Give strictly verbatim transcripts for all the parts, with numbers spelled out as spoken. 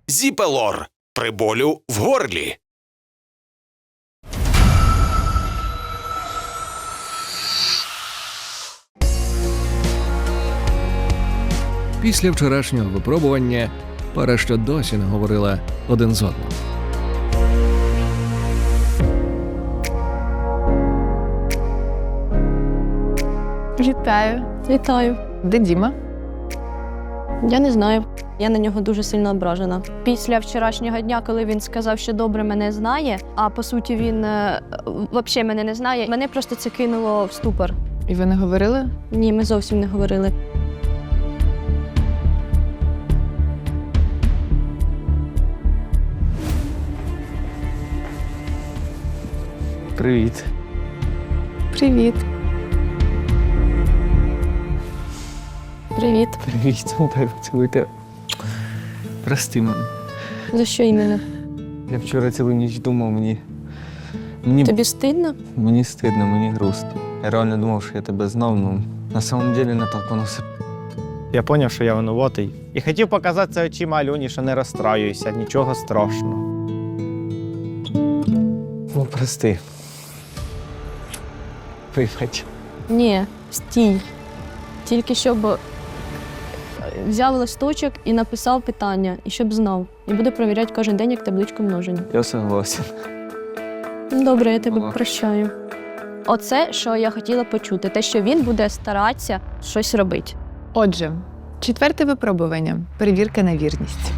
Зіпелор при болю в горлі. Після вчорашнього випробування пара ще досі не говорила один з одним. Вітаю. Вітаю. Де Діма? Я не знаю. Я на нього дуже сильно ображена. Після вчорашнього дня, коли він сказав, що добре мене знає, а по суті він е, взагалі мене не знає, мене просто це кинуло в ступор. І ви не говорили? Ні, ми зовсім не говорили. Привіт. Привіт. Привіт. Привіт, дай поцілуйте. Прости мене. За що іменно? Я вчора цілу ніч думав, мені... Мені, Тобі стидно? мені стидно, мені грустно. Я реально думав, що я тебе знав, ну на самом деле не так воно все. Я зрозумів, що я винуватий. І хотів показати це очима Альоні, що не розстраююся, нічого страшного. Ну, прости. Вибач. Ні, стій. Тільки щоб взяв листочок і написав питання, і щоб знав. І буде перевіряти кожен день, як табличку множення. Я согласен. Добре, я тебе Ага. прощаю. Оце, що я хотіла почути, те, що він буде старатися щось робити. Отже, четверте випробування. Перевірка на вірність.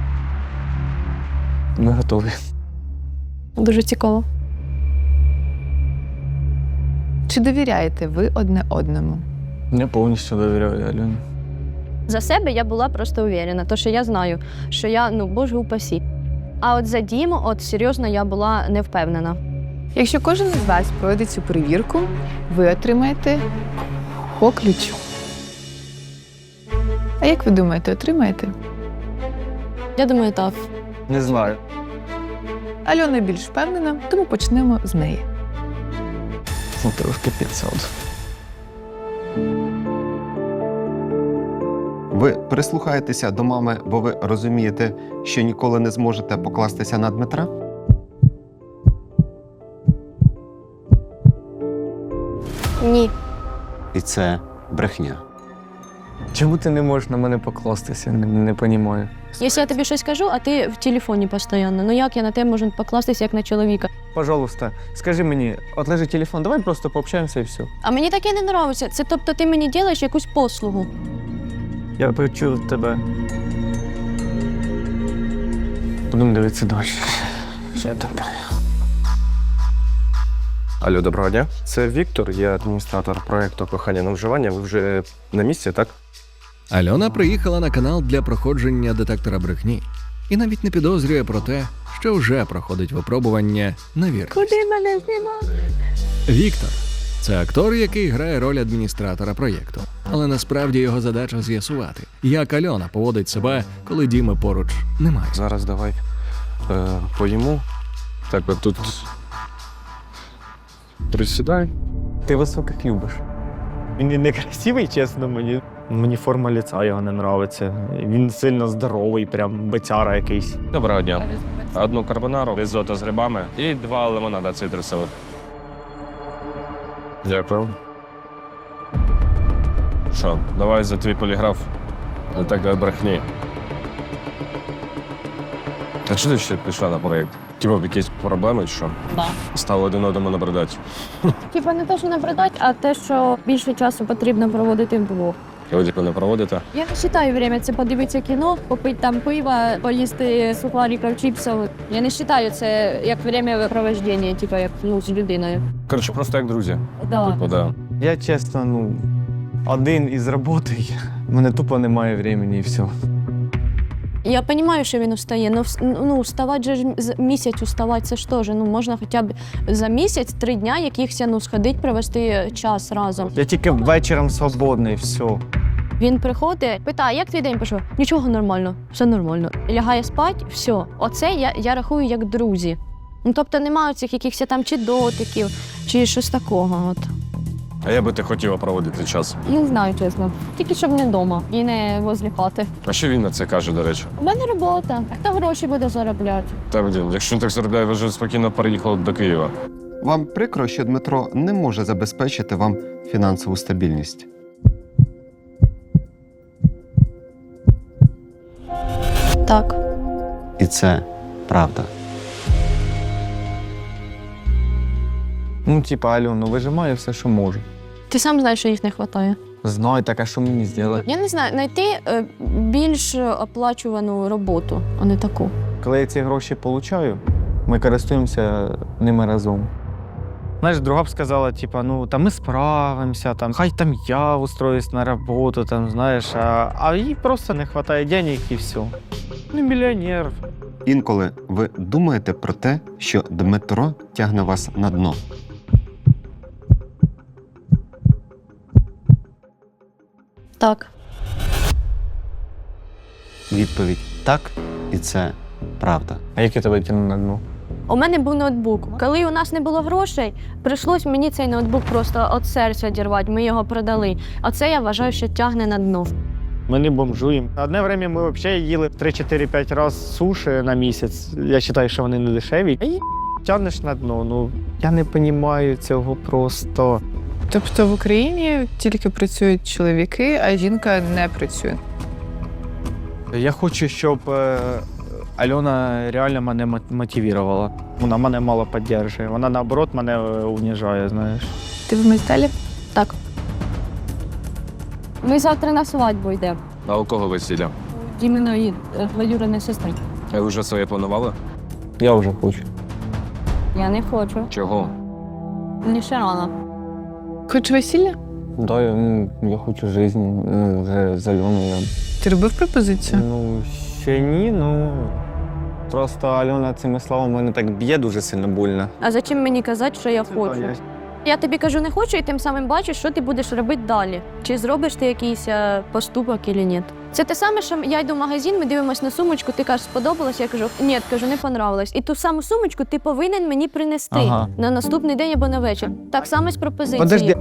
Ми готові. Дуже цікаво. Чи довіряєте ви одне одному? Я повністю довіряю Альоні. За себе я була просто уверена, тому що я знаю, що я, ну, боже упасі. А от за Діму, от серйозно, я була не впевнена. Якщо кожен із вас пройде цю перевірку, ви отримаєте по ключу. А як ви думаєте, отримаєте? Я думаю, так. Не знаю. Альона більш впевнена, тому почнемо з неї. Ну, трошки підсаду. Ви прислухаєтеся до мами, бо ви розумієте, що ніколи не зможете покластися на Дмитра? Ні. І це брехня. Чому ти не можеш на мене покластися? Не, не понімаю. Якщо я тобі щось кажу, а ти в телефоні постійно, ну як я на тебе можу покластися, як на чоловіка? Пожалуйста, скажи мені, отложи телефон, давай просто пообщаємося і все. А мені таке не подобається. Це тобто ти мені робиш якусь послугу. Я почув тебе. Будемо дивитися далі. Що там? Алло, доброго дня. Це Віктор, я адміністратор проєкту «Кохання на вживання». Ви вже на місці, так? Альона приїхала на канал для проходження детектора брехні і навіть не підозрює про те, що вже проходить випробування на вірність. Куди мене знімати? Віктор – це актор, який грає роль адміністратора проєкту. Але насправді його задача з'ясувати, як Альона поводить себе, коли Діми поруч немає. Зараз давай е, поїмо. Так, от тут присідай. Ти високих любиш. Він не красивий, чесно, мені. Мені форма лиця його не подобається. Він сильно здоровий, прям бецяра якийсь. Доброго дня. Одну карбонару, ризотто з грибами і два лимонада цитрусових. Дякую. Що, давай за твій поліграф. Детектор брехні. Та що ти ще пішла на проєкт? Типа якісь проблеми чи що? Так. Стали один одному набридати. Типа не те, що набридать, а те, що більше часу потрібно проводити вдвох. Ви типу не проводите? Я не вважаю время це подивитися кіно, попити там пива, поїсти сухариків, чіпсів. Я не вважаю це як время проведення, типу як ну, з людиною. Коротше, просто як друзі. Да. Типу, да. Я чесно, ну, один із роботи, в мене тупо немає времени і все. Я розумію, що він устає, але ну, вставати же ж з- місяць уставати, це ж теж, ну, можна хоча б за місяць, три дня якихось, ну, сходити, провести час разом. Я тільки вечором свободний, все. Він приходить, питає, як твій день пішов? Нічого, нормально, все нормально. Лягає спати, все. Оце я, я рахую як друзі. Ну, тобто немає цих якихось там чи дотиків, чи щось такого. От. А я би ти хотіла проводити час. Не знаю, чесно. Тільки щоб не вдома і не возле хати. А що він на це каже, до речі? У мене робота. А хто гроші буде заробляти? Та блін, якщо він так заробляє, ви вже спокійно переїхали до Києва. Вам прикро, що Дмитро не може забезпечити вам фінансову стабільність. Так. І це правда. Ну, типа, Альону, вижимаю все, що можу. Ти сам знаєш, що їх не вистачає. Знаю, так а що мені зробити? Я не знаю, знайти е, більш оплачувану роботу, а не таку. Коли я ці гроші получаю, ми користуємося ними разом. Знаєш, друга б сказала, типа, ну, там ми справимося, там, хай там я устроюсь на роботу, там, знаєш, а, а їй просто не вистачає денег і все. Ну, мільйонер. Інколи ви думаєте про те, що Дмитро тягне вас на дно. Так. Відповідь так, і це правда. А як я тебе тягну на дно? У мене був ноутбук. Коли у нас не було грошей, прийшлось мені цей ноутбук просто від серця дірвати. Ми його продали. А це я вважаю, що тягне на дно. Ми не бомжуємо. Одне время ми взагалі їли три-чотири-п'ять разів суші на місяць. Я вважаю, що вони не дешеві. І тягнеш на дно. Ну, я не розумію цього просто. Тобто в Україні тільки працюють чоловіки, а жінка не працює. Я хочу, щоб е, Альона реально мене мот- мотивувала. Вона мене мало підтримує. Вона, наоборот, мене е, уніжає, знаєш. Ти в Мельсталі? Так. Ми завтра на свадьбу йдемо. А у кого весілля? Іменно двоюрідної сестри. А ви вже своє планували? Я вже хочу. Я не хочу. Чого? Мені ще рано. Хоч весілля? Да, я, ну, я хочу життя, ну, вже з Альоною. Ти робив пропозицію? Ну, ще ні, ну. Просто Альона цими словами мене так б'є дуже сильно больно. А зачем мені казати, що я хочу? Я тобі кажу, не хочу, і тим самим бачиш, що ти будеш робити далі. Чи зробиш ти якийсь е, поступок, чи ні. Це те саме, що я йду в магазин, ми дивимося на сумочку, ти кажеш, сподобалось, я кажу, ні, кажу, не понравилось. І ту саму сумочку ти повинен мені принести Ага. на наступний день або на вечір. Так само з пропозицією. Подожди.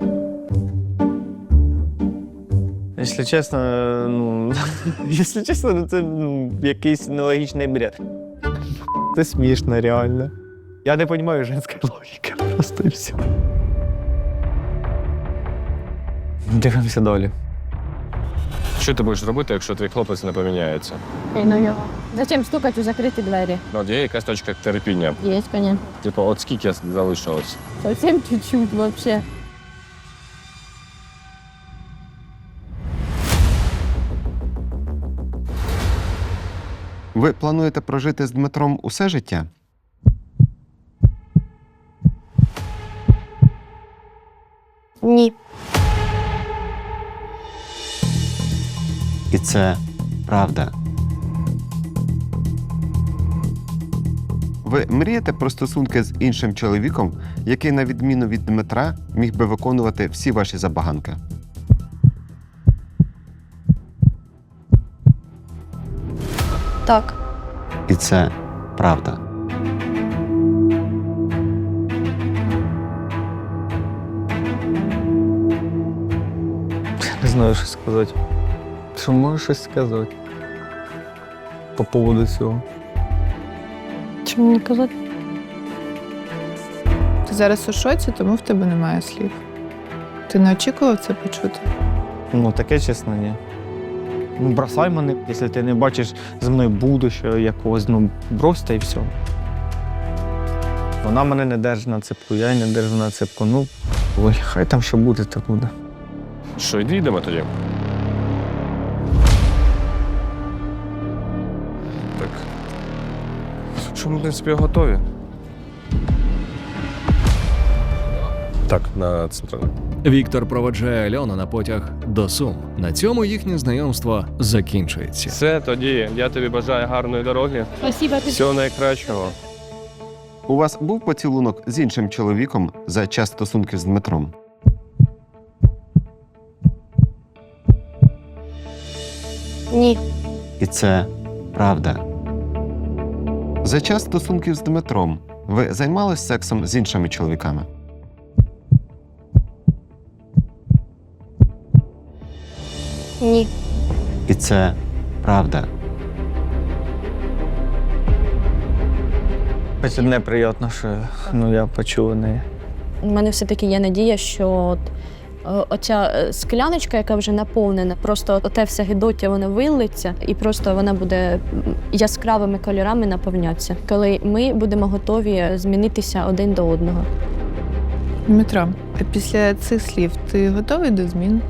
Якщо чесно, ну, якщо чесно, ну, це ну, якийсь нелогічний бред. Це смішно, реально. Я не розумію жінської логіки, просто і все. Дивимося далі. Що ти будеш робити, якщо твій хлопець не поміняється? Ей, ну його. Зачем стукати у закриті двері? Ну, от є якась точка терпіння. Є, коня. Типу, от скільки залишилось? Зовсім чуть-чуть, взагалі. Ви плануєте прожити з Дмитром усе життя? Ні. І це правда. Ви мрієте про стосунки з іншим чоловіком, який, на відміну від Дмитра, міг би виконувати всі ваші забаганки? Так. І це правда. Не знаю, що сказати. Що можеш щось сказати? По поводу цього. Що мені казати? Ти зараз у шоці, тому в тебе немає слів. Ти не очікував це почути? Ну, таке, чесно, ні. Ну, бросай мене, якщо ти не бачиш зі мною будущого якогось, ну, брось та і все. Вона мене не держить на цепку, я її не держу на цепку. Ну, ой, хай там що буде, то буде. Що, йди йдемо тоді? Так. Що ми, в принципі, готові? Так, на центральну. Віктор проводжає Альону на потяг до Сум. На цьому їхнє знайомство закінчується. Все, тоді я тобі бажаю гарної дороги. Спасибо. Всього найкращого. У вас був поцілунок з іншим чоловіком за час стосунків з Дмитром? Ні. І це правда. За час стосунків з Дмитром ви займались сексом з іншими чоловіками? Ні. І це правда. Хоч одне приємно, що ну, я почув неї. У мене все-таки є надія, що от, е, оця е, скляночка, яка вже наповнена, просто оте все гидоття, воно вилиться, і просто вона буде м, яскравими кольорами наповнятися, коли ми будемо готові змінитися один до одного. Дмитро, а після цих слів ти готовий до змін?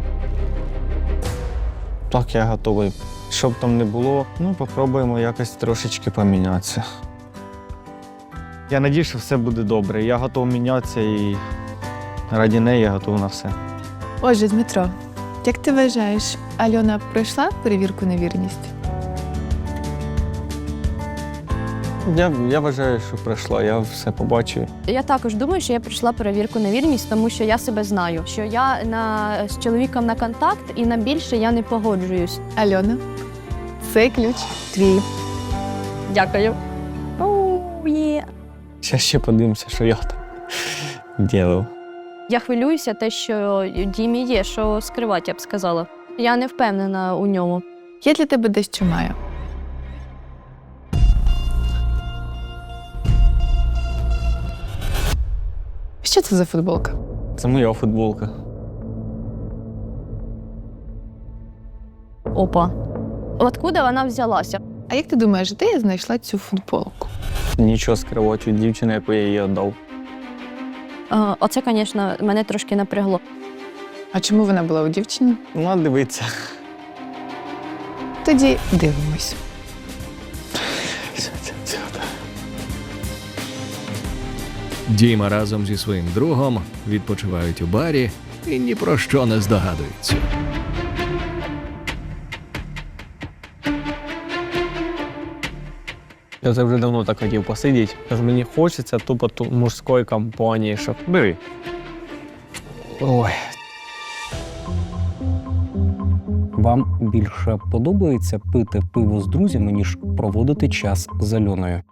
Так, я готовий. Що б там не було, ну, попробуємо якось трошечки помінятися. Я надію, що все буде добре. Я готовий мінятися і раді неї я готовий на все. Отже, Дмитро, як ти вважаєш, Альона пройшла перевірку на вірність? Я, я вважаю, що пройшла, я все побачив. Я також думаю, що я пройшла перевірку на вірність, тому що я себе знаю, що я на, з чоловіком на контакт і на більше я не погоджуюсь. Альона, цей ключ твій. Дякую. Оу, є. Зараз ще подивимося, що я там робив. Я хвилююся те, що Дімі є, що скривати, я б сказала. Я не впевнена у ньому. Я для тебе дещо маю. Що це за футболка? Це моя футболка. Опа. Откуда вона взялася? А як ти думаєш, де я знайшла цю футболку? Нічого скривати від дівчини, яку я їй віддав. Е, Оце, звісно, мене трошки напрягло. А чому вона була у дівчини? Ну, а дивиться. Тоді дивимось. Діма разом зі своїм другом відпочивають у барі і ні про що не здогадуються. Я це вже давно так хотів посидіти. Тож мені хочеться тупо ту мужської компанії, щоб бери. Ой. Вам більше подобається пити пиво з друзями, ніж проводити час з Альоною?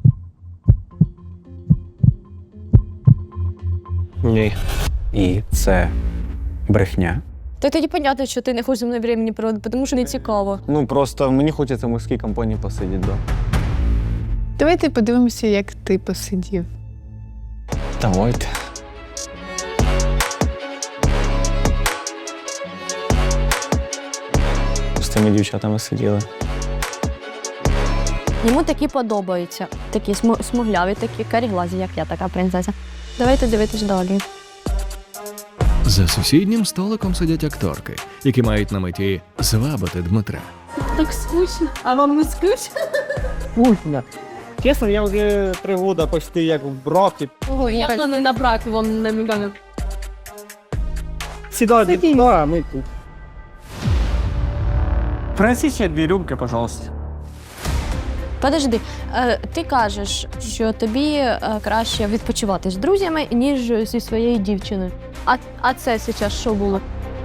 Ні. І це брехня. Та тоді понятно, що ти не хочеш зі мною времени проводити, тому що не цікаво. Ну, просто мені хочеться в мужській компанії посидіти, да. Давайте подивимося, як ти посидів. Давайте. З тими дівчатами сиділи. Йому такі подобаються. Такі сму- смугляві, такі каріглазі, як я, така принцеса. Давайте дивитись далі. За сусіднім столиком сидять акторки, які мають на меті звабити Дмитра. Так скучно. А вам не скучно? Скучно. Чесно, я вже три роки почти як в бракі. Ого, я не на брак вам намігаю. Сідайте, ну, а ми тут. Принеси ще дві рюмки, пожалуйста. Подожди, е, ти кажеш, що тобі е, краще відпочивати з друзями, ніж зі своєю дівчиною. А, а це зараз що було?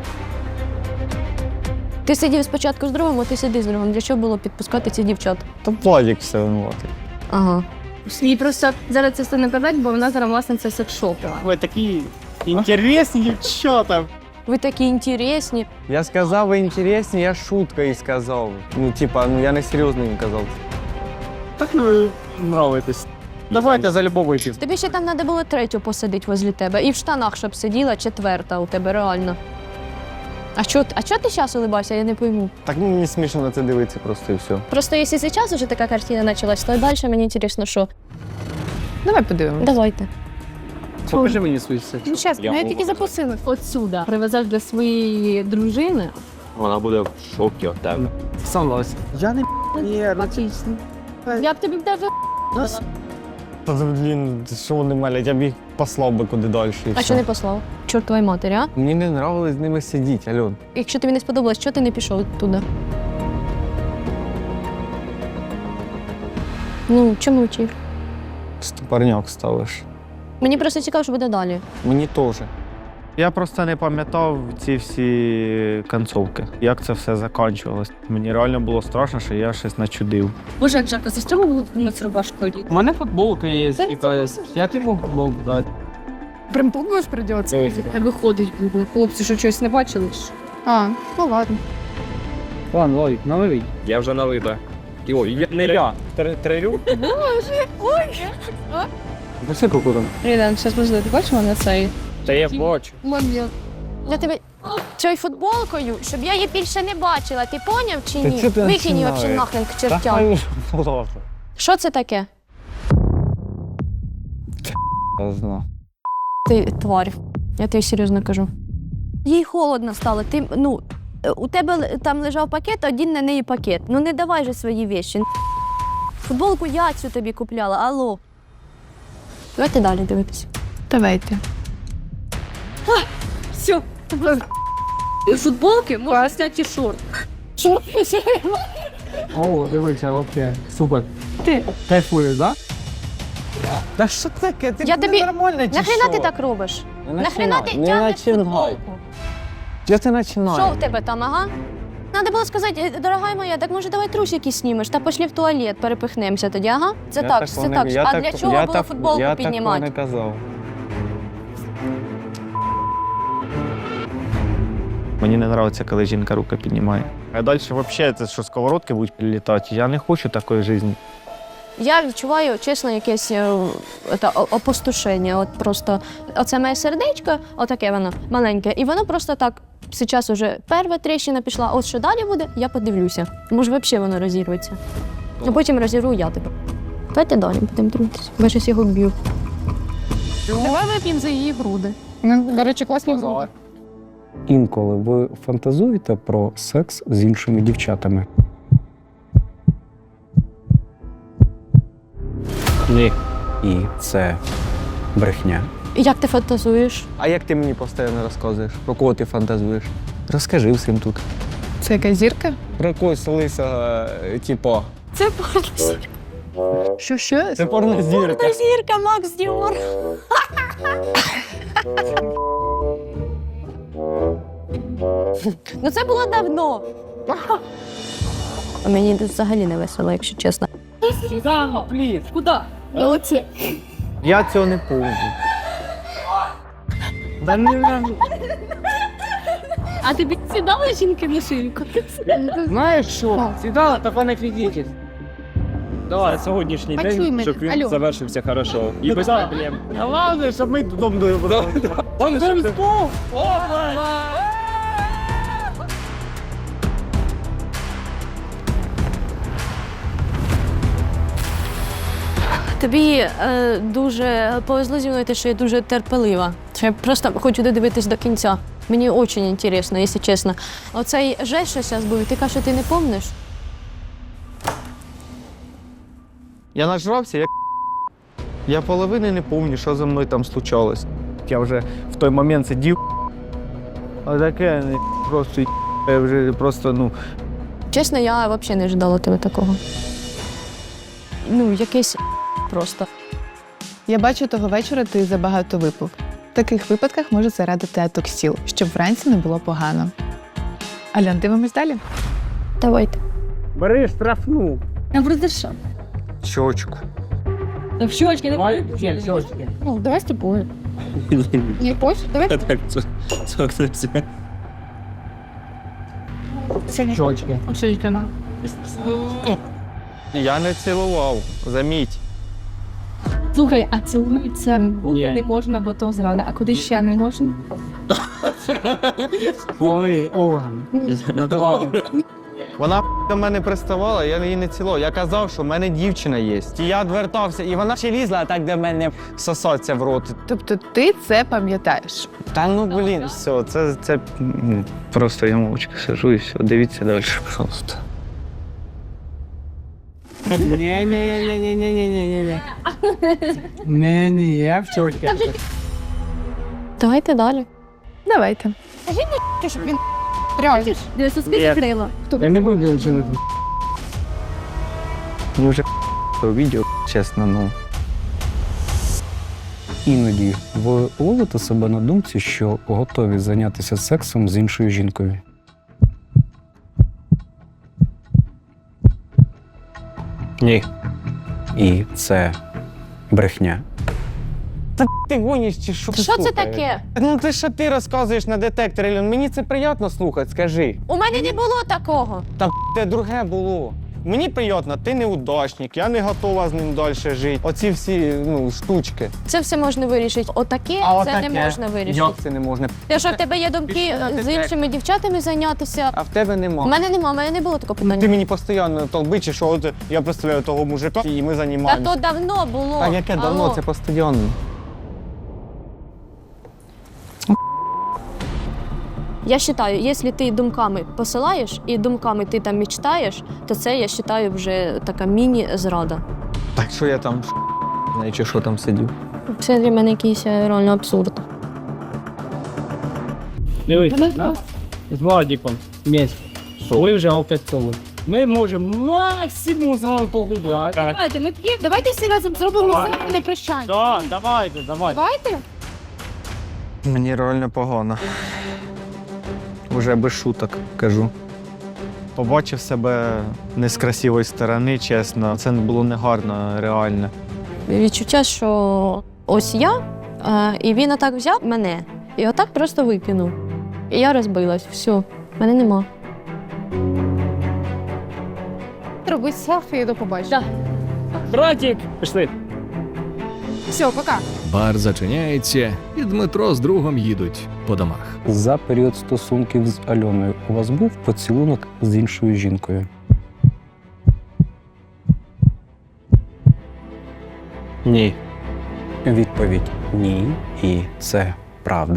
Ти сидів спочатку з другом, а ти сиди з другом. Для чого було підпускати цих дівчат? Та Владик все винуватий. Ага. І просто зараз це все не казати, бо вона зараз власниця секс-шопу. Ви такі інтересні дівчата. Ви такі інтересні. Я сказав, ви інтересні, я шуткою сказав. Ну, типа, ну я не серйозно їм казав. Так ну, нравитесь. Давайте за любов випів. Тобі ще там треба було третю посадити возле тебе. І в штанах, щоб сиділа четверта у тебе, реально. А чого а чо ти зараз улибайся, я не пойму. Так ну, мені смішно на це дивитися просто і все. Просто якщо зараз вже така картина почалась, то далі мені цікаво, що. Давай подивимось. Давайте. Покажи мені свій секс. Ну, чесно, я тільки запросила отсюда. Привезеш для своєї дружини. Вона буде в шокі від тебе. Согласен. Я не ні, Отлично. Я б тобі даже Та, блін, що вони малять, я б їх послав би куди далі. і А все. що не послав? Чортовій матері, а? Мені не нравилось з ними сидіти, Альон. Якщо тобі не сподобалось, чого ти не пішов туди? Ну, чому мовчив? Стопарняк ставиш. Мені просто цікаво, що буде далі. Мені теж. Я просто не пам'ятав ці всі концовки, як це все закінчувалось. Мені реально було страшно, що я щось начудив. Боже, як жарко, за що ми було на цю рубашку? У мене футболка є, типа, я тобі футболку дати. Прям подумаєш, придеться. Виходить, хлопці, що щось не бачили? А, ну ладно. Ладно, Лолік, наливай. Я вже налита. І ой, я, не я. Трирю? Пиши кукуру. Рідан, зараз можливо, ти бачиш мене цей Та я бачу. момент. Я тебе цією футболкою, щоб я її більше не бачила. Ти поняв чи Та ні? чого ти Викинь її починаєш? взагалі нахрен к Та чертям. хай ложу. Що це таке? Я знаю. Ти тварь. Я тобі серйозно кажу. Їй холодно стало. Ти, ну, е, у тебе л- там лежав пакет, один на неї пакет. Ну не давай же свої вещі. Футболку я цю тобі купляла, алло. Давайте далі дивитися. Давайте. Все. Футболки можна зняти і шорт. О, дивися, вообще, супер. Ти. Кайфуєш, да? Та що таке? Ти Я тобі- нормально чи Нахрена що? ти так робиш? Не Нахрена ти починай, тягнеш не починай. футболку? Що ти починаєш? Що в тебе там, ага? Надо було сказати, «Е, дорога моя, так може давай трусики знімеш та пошли в туалет, перепихнемося тоді, ага? Це Я так, це такого так. не- я А так- для чого я було так- футболку я піднімати? Я такого не казав. Мені не подобається, коли жінка руки піднімає. А далі взагалі це що сковородки будуть прилітати. Я не хочу такої життя. Я відчуваю, чесно, якесь е, та, о- опустошення. От просто оце моє сердечко, отаке воно маленьке, і воно просто так. Зараз уже перша тріщина пішла, от що далі буде, я подивлюся. Може, взагалі воно розірветься. А потім розірву я тебе. Давайте далі будемо дивитися. Я щось його б'ю. Давай вип'ємо за її груди. Ну, до речі, класні груди. Інколи ви фантазуєте про секс з іншими дівчатами? Ні. І це брехня. Як ти фантазуєш? А як ти мені постійно розказуєш? Про кого ти фантазуєш? Розкажи всім тут. Це якась зірка? Про якогось лиса, типу. Це порнозірка. Що, що? Це порнозірка. Порнозірка, Макс Діор. Ну це було давно. Мені взагалі не весело, якщо чесно. Куди? Оце. Я цього не помню. А тобі сідали жінки на шийку? Знаєш що? Сідала, та пане фізичність. Давай сьогоднішній Почуй день, мене. щоб він Алло. завершився хорошо. І без проблем. Головне, щоб ми додому доїхали. Тобі е, дуже повезло зі мною те, що я дуже терпелива. Що я просто хочу додивитись до кінця. Мені дуже цікаво, якщо чесно. Оцей жест, що зараз був, ти кажеш, що ти не пам'ятаєш? Я нажрався, як я половини не пам'ятаю, що за мною там случалось. Я вже в той момент сидів, а таке не просто я вже просто, ну. Чесно, я взагалі не ожидала тебе такого. Ну, якесь просто. Я бачу, того вечора ти забагато випив. В таких випадках може зарадити атоксіл, щоб вранці не було погано. Альон, дивимось далі? Давайте. Бери штрафну. А просто що? Щочку. Та в щочки не Давай, ще, щочки. Ну, давай з тобою. Не хочеш? Давай. Так, це, це, це, це. Щочки. Щочки на. Я не цілував, заміть. Слухай, а цілується Ні. не можна, бо то зрада. А куди ще не можна? Ой, орган. Вона до мене приставала, я її не цілував. Я казав, що в мене дівчина є. І я відвертався, і вона ще лізла так до мене сосаться в рот. Тобто ти це пам'ятаєш? Та ну блін, все, це, це ну, просто я мовчки сижу і все. Дивіться далі, пожалуйста. Не-не-не-не-не-не-не-не. Не-не, я в щочки. Давайте далі. Давайте. Ти щоб він реально. Дивися, скільки крила. Я не буду нічого. Мені вже то відео, чесно, ну. Іноді ви ловите себе на думці, що готові зайнятися сексом з іншою жінкою. Ні. І це брехня. Та ти гониш чи що? Що це слухаєш? таке? Ну ти що ти розказуєш на детекторі, Альон? Мені це приємно слухати, скажи. У мене не було такого. Та те друге було. Мені приємно, ти неудачник, я не готова з ним далі жити. Оці всі ну, штучки. Це все можна вирішити. Отаке А це отаке? не можна вирішити. Як це не можна? Те, що в тебе є думки Пішли на з детектор. іншими дівчатами зайнятися. А в тебе нема. У мене нема, у мене не було такого Ти питання. мені постійно толбичиш, що от я представляю того мужика, і ми Та займаємося. то давно було. А яке давно? Алло. Це постійно. Я вважаю, якщо ти думками посилаєш і думками ти там мечтаєш, то це, я вважаю, вже така міні-зрада. Так що я там знаю, чи що там сидів. Це для мене якийсь реально абсурд. Дивись, да? З Владиком вместе. Ви вже опрацьовуємо. Ми можемо максимум з вами погуляти. Давайте, ми п'ємо, давайте всі разом зробимо все не прощання. Так, давайте, давайте. Давайте. Мені реально погано. Уже без шуток кажу. Побачив себе не з красивої сторони, чесно. Це було негарно, реально. Відчуття, що ось я, е, і він отак взяв мене і отак просто викинув. І я розбилась. Все, мене нема. Роби селфі і до побачення. Братик, пішли. Все, пока. Бар зачиняється, і Дмитро з другом їдуть по домах. За період стосунків з Альоною у вас був поцілунок з іншою жінкою? Ні. Відповідь ні. І це правда.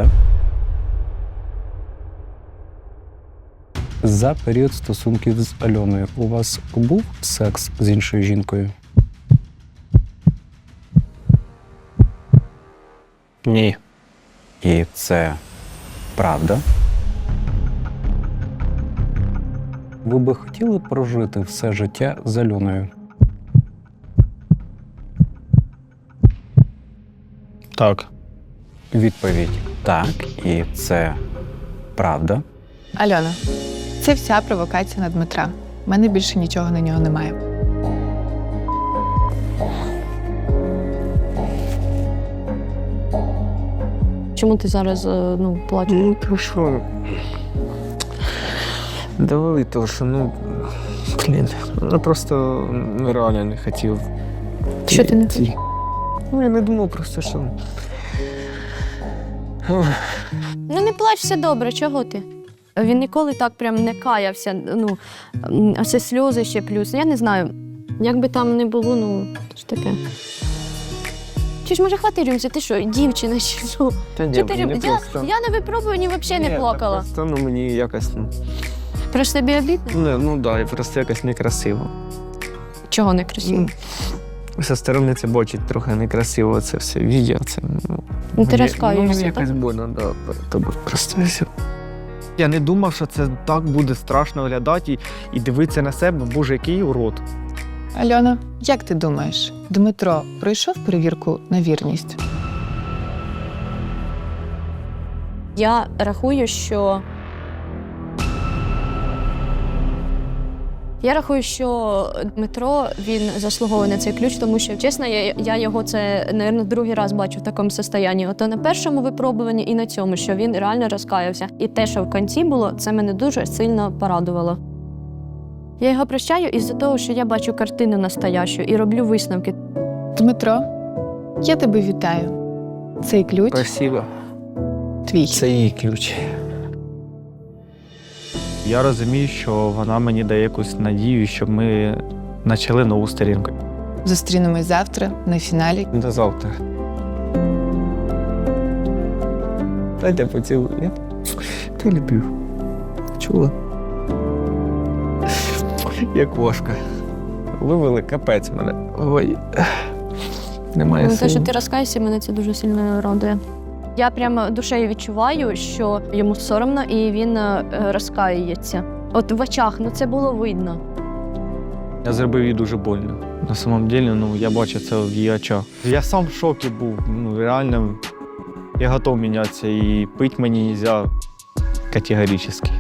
За період стосунків з Альоною у вас був секс з іншою жінкою? Ні. І це правда. Ви би хотіли прожити все життя з Альоною? Так. Відповідь так, і це правда. Альона, це вся провокація на Дмитра. У мене більше нічого на нього немає. Чому ти зараз е, ну, плачеш? Ну, то що? Довели то, що, ну, блін, ну просто ну, реально не хотів. Що ти не Ці- хотів? Ну, я не думав просто, що... Ох. Ну не плач, все добре, чого ти? Він ніколи так прям не каявся. Ну, м, а це сльози ще плюс. Я не знаю. Як би там не було, ну, що таке. Чи ж може хвати рюмці? Ти що, дівчина чи що? Та Чи ні, ти рюм- мені я, просто... я на випробуванні взагалі не Ні, плакала. Просто, ну, мені якось, ну, Просто тобі обідно? не, ну да, і просто якось некрасиво. Чого не красиво? Ну, Зі сторони це бачить трохи некрасиво, це все відео, це, ну... Ну, ти мені- розкаюєшся, Ну, якось так? больно, да, тобі просто все. Я не думав, що це так буде страшно виглядати і, і дивитися на себе, боже, який урод. Альона, як ти думаєш, Дмитро пройшов перевірку на вірність? Я рахую, що. Я рахую, що Дмитро він заслуговує на цей ключ, тому що, чесно, я, я його це, мабуть, другий раз бачу в такому стані. Ото на першому випробуванні і на цьому, що він реально розкаявся. І те, що в кінці було, це мене дуже сильно порадувало. Я його прощаю із-за того, що я бачу картину настоящу і роблю висновки. Дмитро, я тебе вітаю. Цей ключ Спасибо. твій. Це її ключ. Я розумію, що вона мені дає якусь надію, щоб ми почали нову сторінку. Зустрінемось завтра на фіналі. До завтра. Дайте поцілую. Я ти люблю. Чула? Як кошка. Вивели капець мене. Ой. Немає Ну, те, що сил. ти розкаєшся, мене це дуже сильно радує. Я прямо душею відчуваю, що йому соромно і він е, розкаюється. От в очах, ну це було видно. Я зробив їй дуже больно. На самом деле, ну, я бачу це в її очах. Я сам в шокі був. Ну, реально, я готов мінятися і пити мені не можна категорично.